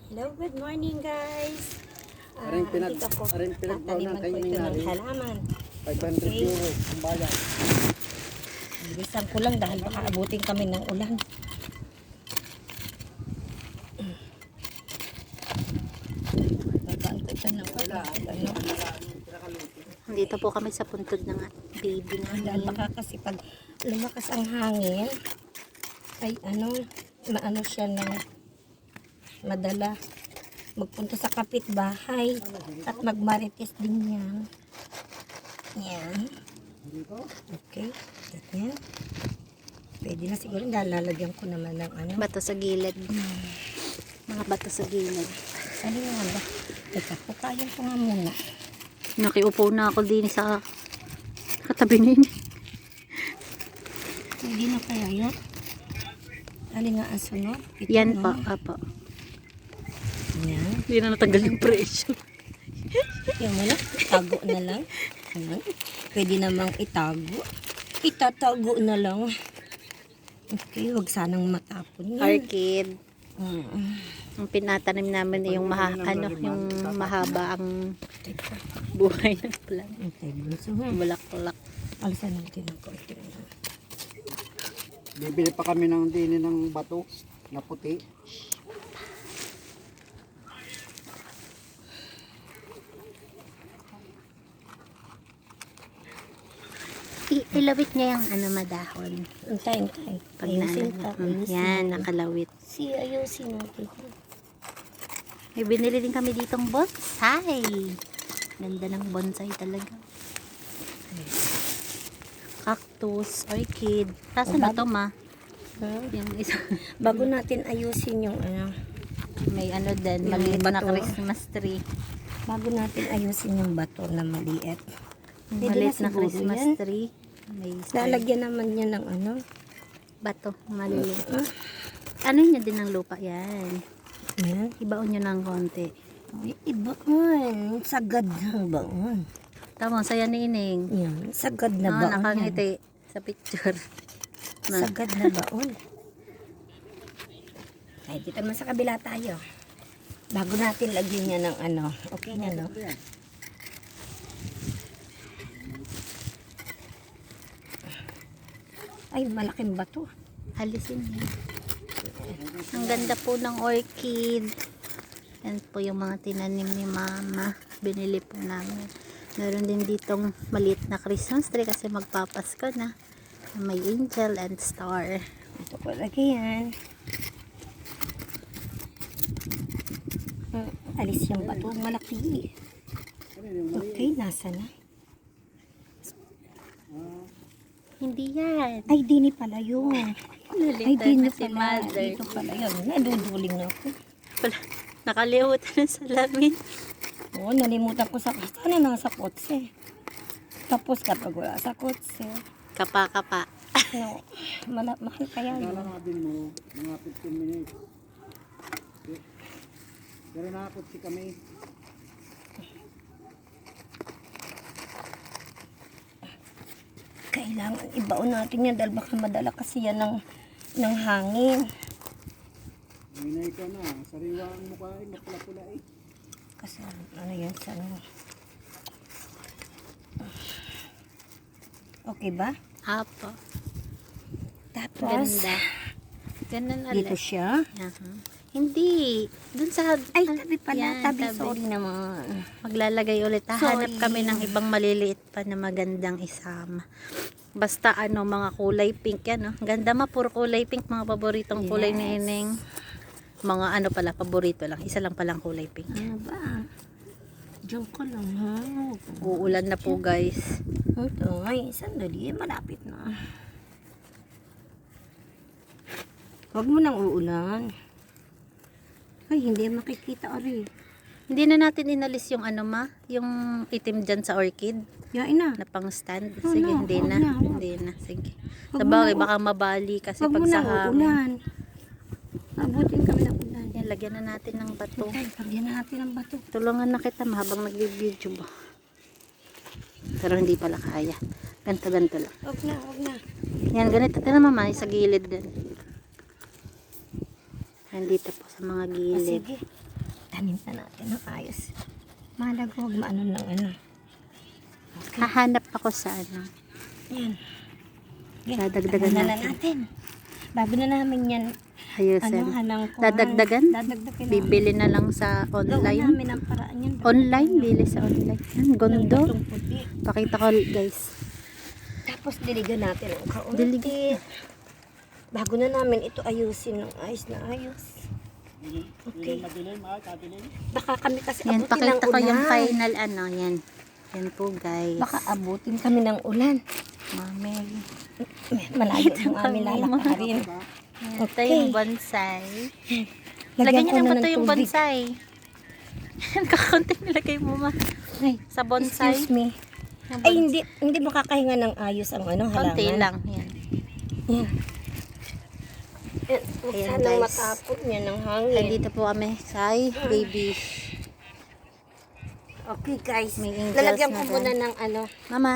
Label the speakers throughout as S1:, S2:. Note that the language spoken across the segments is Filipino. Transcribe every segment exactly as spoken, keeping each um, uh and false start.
S1: Hello, good morning guys. Ah,
S2: Aring pinag
S1: andito ako.
S2: aring pinagbawanan
S1: Tataniman
S2: kayo
S1: ko
S2: ni
S1: ito ng
S2: Nari.
S1: halaman.
S2: five hundred
S1: Okay.
S2: euro ang bayad.
S1: Bilisan ko lang dahil baka abutin kami ng ulan. Babaan ko ito ng ano.
S3: Dito po kami sa puntod ng baby
S1: Dahil
S3: namin.
S1: baka kasi pag lumakas ang hangin, ay ano, maano siya ng madala magpunta sa kapitbahay at magmarites din yan. Yan. Okay. Yan. Pwede na siguro. Lalagyan ko naman ng ano.
S3: Bato sa gilid. Mga bato sa gilid.
S1: Ano nga ba? Teka, pukayan ko nga muna.
S3: Nakiupo na ako din sa katabi na yun.
S1: Pwede na kaya yan? Alin nga ang sunod? Ito,
S3: Yan
S1: no?
S3: pa, apa.
S1: Yan.
S3: Hindi na natanggal yung presyo.
S1: Yung wala, itago na lang. Ayan. Pwede namang itago. Itatago na lang. Okay, wag sanang matapon yan.
S3: Orchid.
S1: Mm.
S3: Ang pinatanim namin ay yung maha, ano, yung mahaba ang buhay ng plant.
S1: Okay, bunso nga.
S3: Bulaklak.
S1: Alisan natin ang konti.
S2: Bibili pa kami ng dini ng bato na puti.
S3: I ilawit niya yung ano madahon.
S1: Antay, antay.
S3: Pag
S1: Ayusin
S3: naalala.
S1: ka.
S3: Mm,
S1: Ayusin.
S3: yan, nakalawit.
S1: Si, ayusin natin.
S3: May binili din kami ditong bonsai. Ganda ng bonsai talaga. Cactus, orchid. Saan na to, ma?
S1: Huh?
S3: Yung isa.
S1: Bago natin ayusin yung ano,
S3: May ano din,
S1: Yung
S3: maliit na
S1: bato.
S3: Christmas tree.
S1: bago natin ayusin yung bato na maliit. Pwede
S3: Maliit
S1: na
S3: na
S1: siguro
S3: Christmas
S1: yan.
S3: tree. May star.
S1: Lalagyan naman niya ng ano.
S3: Bato, maliliit.
S1: Ah,
S3: Ano niya din ng lupa yan.
S1: yan.
S3: Ibaon nyo ng konti.
S1: Ay, iba on. Sagad ng baon.
S3: Tama, saya ni Ining.
S1: Yan. Sagad na
S3: Ah,
S1: baon yan.
S3: nakangiti sa picture. Na.
S1: Sagad na baon. Ay, dito naman sa kabila tayo. Bago natin lagyan niya ng ano. Okay na, no? Ay, malaking bato.
S3: Alisin niya. Ang ganda po ng orchid. Yan po yung mga tinanim ni mama. Binili po namin. Meron din ditong maliit na Christmas tree kasi magpapasko na. May angel and star.
S1: Ito ko lagi yan. Hmm, alis yung bato. Malaki. Okay, nasa na?
S3: Hindi yan.
S1: Ay, dini pala yun. Ay,
S3: Nalita
S1: dini
S3: na si
S1: pala.
S3: mother.
S1: Dito pala yun. Naduduling na ako.
S3: Pala, nakalimutan ng salamin.
S1: Oo, nalimutan ko sa sana nasa kotse. Tapos kapag wala sa kotse,
S3: Kapa-kapa.
S1: no, mala, mahal kaya yun.
S2: Lalakabin mo mga fifteen minutes. Pero nakapot si kami.
S1: Kailangan ibaon natin yan dahil baka madala kasi yan ng, ng hangin.
S2: Minay ka na. Sariwa ang mukha eh. Mapula-pula eh.
S1: Kasi ano yan sa ano. Okay ba?
S3: Apo.
S1: Tapos,
S3: Ganda. Ganun
S1: dito
S3: ulit.
S1: siya.
S3: Aha. Hindi. Dun sa...
S1: Ay, tabi pala.
S3: Yan,
S1: tabi,
S3: tabi.
S1: sorry naman.
S3: Maglalagay ulit. Hahanap
S1: Sorry.
S3: kami ng ibang maliliit pa na magandang isama. Basta ano, mga kulay pink yan. No? Ganda ma, puro kulay pink. Mga paboritong kulay ni
S1: Yes.
S3: Ineng. Mga ano pala, paborito lang. Isa lang palang kulay pink.
S1: Ano ba? Diyan ko lang, ha?
S3: Uulan na po guys.
S1: Ito, ay, sandali. Malapit na. Huwag mo nang uulan. Ay, hindi makikita, ari.
S3: Hindi na natin inalis yung ano ma, yung itim dyan sa orchid
S1: Yain na.
S3: na pang stand.
S1: Oh,
S3: Sige,
S1: no,
S3: hindi
S1: wag
S3: na.
S1: na, wag.
S3: Hindi na. Sige.
S1: Wag mo
S3: Sabagay,
S1: na,
S3: baka mabali kasi
S1: Huwag
S3: pag
S1: mo
S3: sa
S1: nang
S3: hangin.
S1: uulan. Abutin kami ng ulan.
S3: Yan, lagyan na natin ng bato.
S1: Okay, lagyan na natin ng bato.
S3: Tulungan na kita ma habang nag-video ba. Pero hindi pala kaya. Ganto-ganto lang.
S1: Huwag na, huwag na.
S3: Yan, ganito. Tignan mo ma, sa gilid din. Nandito po sa mga
S1: Ah,
S3: gilid.
S1: sige. Tanim na natin ng ayos. Mahalaga huwag maano ng ano. Okay.
S3: Hahanap ako sa ano.
S1: Yan. Yan.
S3: Dadagdagan
S1: Tanim na
S3: natin.
S1: natin. Bago na namin yan,
S3: Ayusin.
S1: ano, hanang kuhan.
S3: Dadagdagan?
S1: Dadagdagan na.
S3: Bibili na lang sa
S1: Gawin
S3: online.
S1: namin ang paraan yan.
S3: Online, bili sa online. Yan,
S1: Ng
S3: gondo.
S1: batong puti.
S3: Pakita ko guys.
S1: Tapos diligan natin ang kaunti.
S3: Diligan.
S1: Bago na namin ito ayusin ng ayos na ayos. Okay.
S2: Madilim ah, kadilim.
S1: Baka kami kasi
S3: Yan,
S1: abutin ng
S3: pakita ko yung
S1: ulan.
S3: final ano. Yan. Yan po guys.
S1: Baka abutin kami ng ulan.
S3: Mami.
S1: Malayo ang aming lalakarin.
S3: Ito
S1: Okay.
S3: yung bonsai.
S1: Lagyan
S3: Lagyan
S1: ko
S3: niyo
S1: na
S3: naman
S1: ng
S3: to yung
S1: tubig.
S3: bonsai. Kakunting nilagay mo ma.
S1: Ay,
S3: Sa bonsai.
S1: excuse me.
S3: Yung
S1: Ay,
S3: bonsai.
S1: hindi hindi makakahinga ng ayos ang ano, halaman.
S3: Konti lang. Yan.
S1: Yan. Yan. Huwag
S3: Ayan,
S1: sanang
S3: guys.
S1: matapon yan ng
S3: Ay,
S1: hangin.
S3: dito po kami kay baby.
S1: Okay, guys.
S3: May angels
S1: Lalagyan
S3: na
S1: ko
S3: rin.
S1: muna ng ano.
S3: Mama,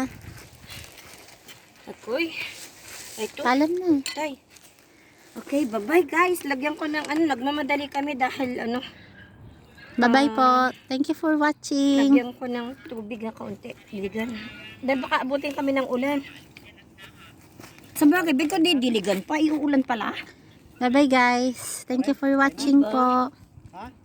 S1: Akoy. Ito.
S3: paalam na.
S1: Tay. Okay, bye-bye guys. Lagyan ko ng ano, nagmamadali kami dahil ano,
S3: Bye-bye
S1: Ah.
S3: po. Thank you for watching.
S1: lagyan ko ng tubig na kaunti. Diligan. Dahil baka abutin kami ng ulan. Sa bagay, bigyan ko din diligan pa. Iuulan pala.
S3: Bye-bye guys. Thank you for watching po.
S2: Ha?